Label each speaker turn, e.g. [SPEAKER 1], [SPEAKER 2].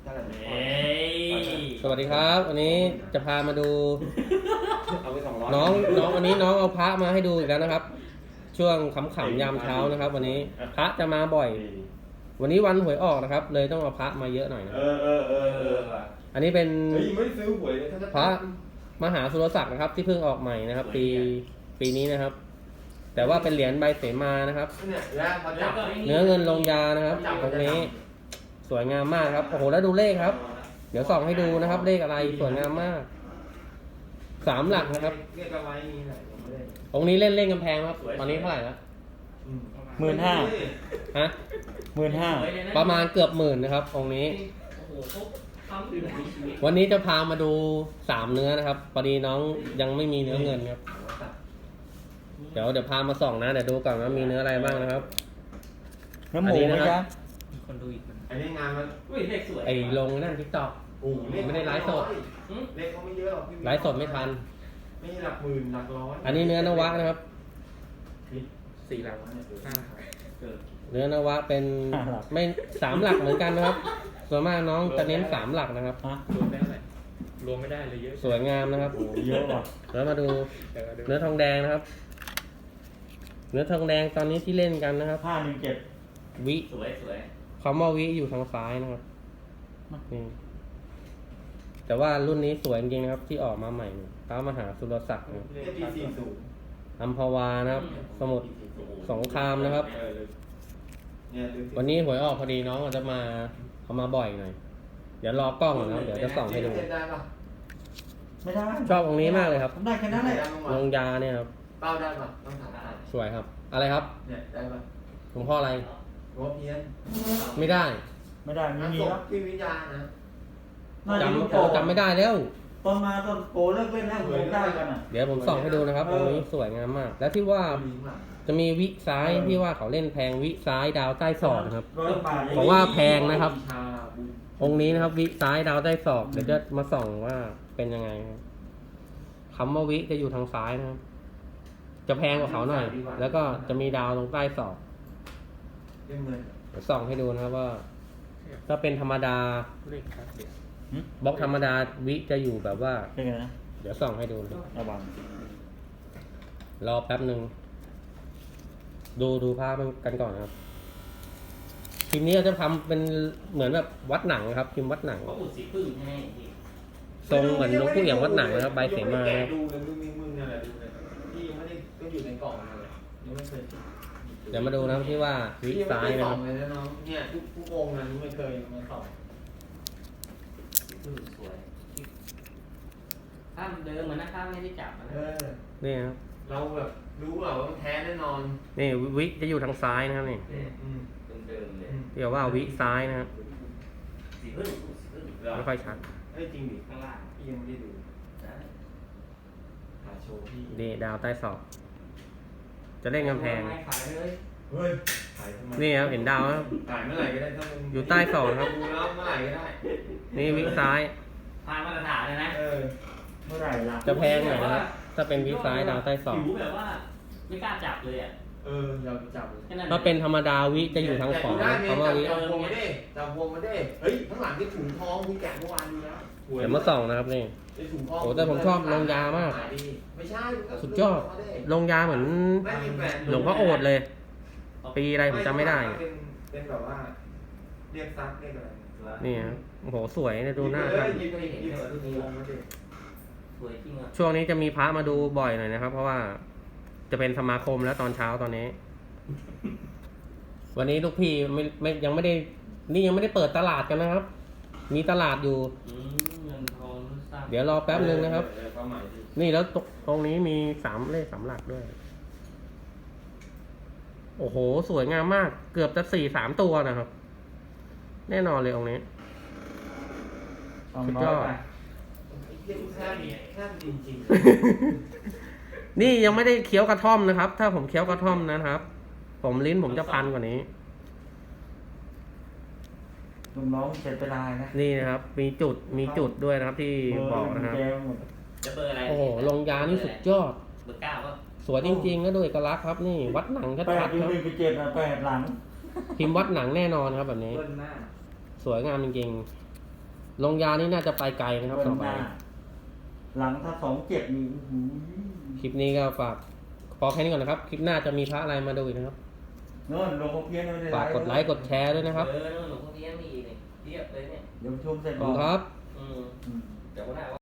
[SPEAKER 1] ท่าไหร่
[SPEAKER 2] เฮ้ย
[SPEAKER 3] สวัสดีครับ วันนี้จะพามาดู
[SPEAKER 1] เอาไป200
[SPEAKER 3] น้องวันนี้น้องเอาพระมาให้ดูอีกแล้วนะครับ ช่วงขำๆยามเช้านะครับ วันนี้พระจะมาบ่อย วันนี้วันหวยออกนะครับ เลยต้องเอาพระมาเยอะหน่อยนะอันนี้เป็น
[SPEAKER 1] เฮ้ยไม่ได้ซื้อหวยเลยถ้า
[SPEAKER 3] พระมหาสุรศักดิ์นะครับ ที่เพิ่งออกใหม่นะครับ ปีนี้นะครับ แต่ว่าเป็นเหรียญใบเสมานะครับ
[SPEAKER 1] เนี่ยแล้วพอจับ
[SPEAKER 3] เนื้อเงินลงยานะครับตรงนี้สวยงามมากครับโอ้โหแล้วดูเลขครับ เดี๋ยวส่องให้ดูนะครับ เลขอะไรสวยงามมาก3 หลักนะครับ
[SPEAKER 1] เรียกเอาไว้มีไหนยังไม่ได้
[SPEAKER 3] องค์นี้เล่นกำแพงครับตอนนี้เท่าไหร่แล้ว
[SPEAKER 4] 15,000
[SPEAKER 3] ฮะ
[SPEAKER 4] 15,000
[SPEAKER 3] ประมาณเกือบ10,000นะครับองค์นี้
[SPEAKER 2] โอ้โหเขาทำอยู่ในชีวิต
[SPEAKER 3] วันนี้จะพามาดู3เนื้อนะครับพอดีน้องยังไม่มีเนื้อเงินครับเดี๋ยวพามาส่องนะเดี๋ยวดูก่อนว่ามีเนื้ออะไรบ้างนะครับ
[SPEAKER 4] น้ำหมูไหมจ๊ะ
[SPEAKER 2] คนดูอีกคน
[SPEAKER 1] อันนี้งานมัน
[SPEAKER 2] อุ้ยเลขสวย
[SPEAKER 3] ไอ้ลงนั่นทิกตอก
[SPEAKER 1] โอ้โหเลข
[SPEAKER 3] ไม่ได้ไลฟ์สด
[SPEAKER 1] เลขเขาไม่เยอะหรอกพี่
[SPEAKER 3] ไลฟ์สดไม่ทัน
[SPEAKER 1] ไม่ใช่หลักหมื่นหลักร้อย
[SPEAKER 3] อันนี้เนื้อนวะนะครับ
[SPEAKER 1] 4 หลักเนี่ย5 หลักเกิด
[SPEAKER 3] เนื้อนวะเป็นไม่3 หลักเหมือนกันนะครับ ส่วนมากน้องจะเน้น3 หลักนะครับ
[SPEAKER 4] ฮะ
[SPEAKER 5] รวมได้เท่าไหร่รวมไม่ได้เลยเยอะ
[SPEAKER 3] สวยงามนะครับ
[SPEAKER 4] โอ้เยอะว่ะ
[SPEAKER 3] แล้วมาดู
[SPEAKER 5] แต่ก็ดู
[SPEAKER 3] เนื้อทองแดงนะครับ เนื้อทองแดงตอนนี้ที่เล่นกันนะครับ
[SPEAKER 4] 517
[SPEAKER 3] วิ
[SPEAKER 2] สวยสวย
[SPEAKER 3] คำว่าวิอยู่ทางซ้ายนะครับนี่แต่ว่ารุ่นนี้สวยจริงๆนะครับ ที่ออกมาใหม่พระมหาสุรศักดิ์นะครับ
[SPEAKER 1] เลขปี40
[SPEAKER 3] อัมพวานะครับ สมุทรสงครามนะครับ
[SPEAKER 1] เนี่ยดูสิ
[SPEAKER 3] วันนี้หวยออกพอดีน้องอาจจะมาเขามาบ่อยหน่อยเดี๋ยวรอกล้องก่อนนะครับเดี๋ยวจะส่องให้ดู
[SPEAKER 1] เล่นได้ปะ
[SPEAKER 4] ไม่ได้
[SPEAKER 3] ชอบองค์นี้มากเลยครับ
[SPEAKER 4] ผมได้แค่นั้นแหละ
[SPEAKER 1] ได้บ้าง
[SPEAKER 3] ล
[SPEAKER 1] วะ
[SPEAKER 3] งยาเนี่ยครับ
[SPEAKER 1] เป้าได้ปะต้องถามได้
[SPEAKER 3] สวยครับ อะไรครับ
[SPEAKER 1] เนี่ยได้ปะ
[SPEAKER 3] หลวงพ่ออะไร
[SPEAKER 1] หัวเพี้ยน
[SPEAKER 3] ไม่ได้
[SPEAKER 4] ไม่ได้ไม่
[SPEAKER 1] น้ำ
[SPEAKER 4] มี
[SPEAKER 1] ศ
[SPEAKER 4] แล้
[SPEAKER 1] พ
[SPEAKER 4] ว
[SPEAKER 1] พี่วิญญาณนะ
[SPEAKER 4] น่าจะลูกโป่ง
[SPEAKER 3] จำไม่ได้แล้ว
[SPEAKER 4] ตอนมาตอนโปเลิกเล่นแล้วผมได้กันอ่ะ
[SPEAKER 3] เดี๋ยวผมส่องให้ดูนะครับองค์นี้สวยงามมาก แล้วที่ว่า
[SPEAKER 1] ลิงก์อะ
[SPEAKER 3] จะมีวิซ้ายที่ว่าเขาเล่นแพงวิซ้ายดาวใต้ศอกนะครับ
[SPEAKER 4] 100 บาท
[SPEAKER 3] ผมว่าแพงนะครับ
[SPEAKER 1] ชาบุญ
[SPEAKER 3] องค์นี้นะครับ วิซ้ายดาวใต้ศอกเดี๋ยวจะมาส่องว่าเป็นยังไงครับคำว่าวิจะอยู่ทางซ้ายนะครับ จะแพงกว่าเขาหน่อย แล้วก็จะมีดาวตรงใต้ศอก
[SPEAKER 1] เรื่องเงิน
[SPEAKER 3] เดี๋ยวส่องให้ดูนะครับว่า ถ้าเป็นธรรมดา
[SPEAKER 5] เลขครับเดี๋ยว
[SPEAKER 3] บล็อกธรรมดาวิจะอยู่แบบว่า
[SPEAKER 4] เป็นไงนะ
[SPEAKER 3] เดี๋ยวส่องให้ดูนะครับ
[SPEAKER 4] ระวัง
[SPEAKER 3] รอแป๊บหนึ่งดูภาพกันก่อนนะครับทีมนี้เราจะทำเป็นเหมือนแบบวัดหนังครับพิมพ์วัดหนัง
[SPEAKER 2] เขาอุดสีพึ่งให้พี่
[SPEAKER 3] ทรงเหมือนหลวงปู่เอี่ยมวัดหนังนะครับใบเสมา
[SPEAKER 1] แกะ
[SPEAKER 3] นะครับ
[SPEAKER 1] ดูเลยมึงเนี่ยแหละดูเลยพี่ยังไม่ได้ก็อยู่ในกล่องเลยยังไม่เคย
[SPEAKER 3] เดี๋ยวมาดูนะครับที่ว่าวิซ้ายนะครับ
[SPEAKER 1] เลยนะน้องเนี่ยทุกองค์นะไม่เคยมาสอบ
[SPEAKER 2] สีพึ่งสวยถ้ามันเดิมเหมือนนะครับไม่ได้จับนะ
[SPEAKER 3] นี่ครับ
[SPEAKER 1] เราแบบรู้ว่ามันแท้แน่นอน
[SPEAKER 3] นี่วิจะอยู่ทางซ้ายนะครับนี่
[SPEAKER 1] อืม
[SPEAKER 2] เดิมเลย
[SPEAKER 3] เรียกว่าวิซ้ายนะครับ
[SPEAKER 2] สีพึ่งสีพึ่ง
[SPEAKER 3] ไม่ค่อยชัด
[SPEAKER 1] เอ้ยจริงดิ
[SPEAKER 2] ข้างล่าง
[SPEAKER 1] พี่ยังไม่ได้ดู
[SPEAKER 2] นะ
[SPEAKER 1] หาโชว์พี่
[SPEAKER 3] นี่ดาวใต้ศอก จะเล่นกำแพง
[SPEAKER 2] ไม่ขายเลย
[SPEAKER 1] เฮ้ยถ่ายทำไม
[SPEAKER 3] นี่ครับเห็นดาวครับ
[SPEAKER 1] ถ่ายเมื่อไหร่ก็ได้ถ้ามึง
[SPEAKER 3] อยู่ใต้ศอกครับ
[SPEAKER 1] ดูแล้วเมื่อไหร่ก็ได้
[SPEAKER 3] นี่วิซ้าย
[SPEAKER 2] ผ่านมาตรฐานเลยนะ
[SPEAKER 4] เมื่อไหร่ล่ะ
[SPEAKER 3] จะแพงหน่อยนะครับถ้าเป็นวิซ้ายดาวใต้ศอก
[SPEAKER 2] ผิวแบบว่าไม่กล้าจับเลยอ่ะ
[SPEAKER 1] เราจับเลย
[SPEAKER 2] แค่นั้น
[SPEAKER 3] ถ้าเป็นธรรมดาวิจะอยู่ทางขวา
[SPEAKER 1] ได้
[SPEAKER 3] คำว่าวิ
[SPEAKER 1] จับพวงมาดิจับพวงมาดิเฮ้ยข้างหลังที่ถุงทองคุณแกะเมื่อวานดูแล้ว
[SPEAKER 3] เดี๋ยวมาส่องนะครับนี่
[SPEAKER 1] ไอ้ถุงทอง
[SPEAKER 3] โอ้แต่ผมชอบลงยามาก
[SPEAKER 1] ไม่ใช่
[SPEAKER 3] สุดยอด ลงยาเหมือน
[SPEAKER 1] ไม่มีแฟน
[SPEAKER 3] หลวงพ่อโอษเลย ปีอะไรผมจำไม่ได้
[SPEAKER 1] เป็นแบบว่าเรียกซักเรียกอะไร
[SPEAKER 3] นี่ครับโอ้โหสวยเนี่ยดูหน้าครับ
[SPEAKER 1] หยิบถุงทองมาดิ
[SPEAKER 2] สวยจริงอ่ะ
[SPEAKER 3] ช่วงนี้จะมีพระมาดูบ่อยหน่อยนะครับ เพราะว่าจะเป็นสมาคมแล้วตอนเช้าตอนนี้ วันนี้ลูกพี่ไม่ยังไม่ได้ นี่ยังไม่ได้เปิดตลาดกันนะครับ มีตลาดอยู่
[SPEAKER 2] เงินทองทราบ
[SPEAKER 3] เดี๋ยวรอแป๊บนึงนะครับ
[SPEAKER 1] ความหมายดิ
[SPEAKER 3] นี่แล้วตรงนี้มี3 เลข 3 หลักด้วย โอ้โห สวยงามมาก เกือบจะ3 ตัวนะครับ แน่นอนเลยองค์นี้ สุดยอด
[SPEAKER 4] 200 บาท
[SPEAKER 1] แค่จริง
[SPEAKER 3] นี่ยังไม่ได้เคี้ยวกระท่อมนะครับ ถ้าผมเคี้ยวกระท่อมนะครับ ผมลิ้นผมจะพันกว่านี้
[SPEAKER 4] ลุงน้องเจ็ดไปลายนะ
[SPEAKER 3] นี่นะครับ มีจุดด้วยนะครับ ที่บอกนะครับ
[SPEAKER 4] เบอร์หมด
[SPEAKER 2] จะเบอร์อะไร
[SPEAKER 3] โอ้โหลงยานี่สุดยอด
[SPEAKER 2] เบอร์ 9ก็
[SPEAKER 3] สวยจริงๆแล้วด้วยเอกลักษณ์ครับ นี่วัดหนัง
[SPEAKER 4] 8
[SPEAKER 3] ชัดๆ
[SPEAKER 4] อยู่
[SPEAKER 3] ครับ
[SPEAKER 4] 1กับ7อ่ะ8หลัง
[SPEAKER 3] พิมพ์วัดหนังแน่นอนครับแบบ
[SPEAKER 1] ๆ
[SPEAKER 3] นี้
[SPEAKER 1] เบิ้ลหน้า
[SPEAKER 3] สวยงามจริงลงยานี่น่าจะไปไกลนะครับ
[SPEAKER 4] เดิ
[SPEAKER 3] ต่อน ไป
[SPEAKER 4] หน้าหลังถ้า2-7นี่อื้อหือ
[SPEAKER 3] คลิปนี้ก็ฝากพอแค่นี้ก่อนนะครับ คลิปหน้าจะมีพระอะไรมาดูอีกนะครับ
[SPEAKER 4] โน่นหลวงพ่อเพี้ยนไม่ได้
[SPEAKER 3] ฝากกดไลค์กดแชร์ด้วยนะครับ
[SPEAKER 2] นู่นหลวงพ่อเพี้ยนมีอีกเนี่ยเทียบเลยเนี่ย
[SPEAKER 4] เดี๋ยวชมเสร็จ
[SPEAKER 3] ขอบ
[SPEAKER 4] บอ
[SPEAKER 3] คุ
[SPEAKER 4] ก
[SPEAKER 3] ณครับ
[SPEAKER 2] อืม
[SPEAKER 4] อืม
[SPEAKER 2] เดี๋ยววันหน้า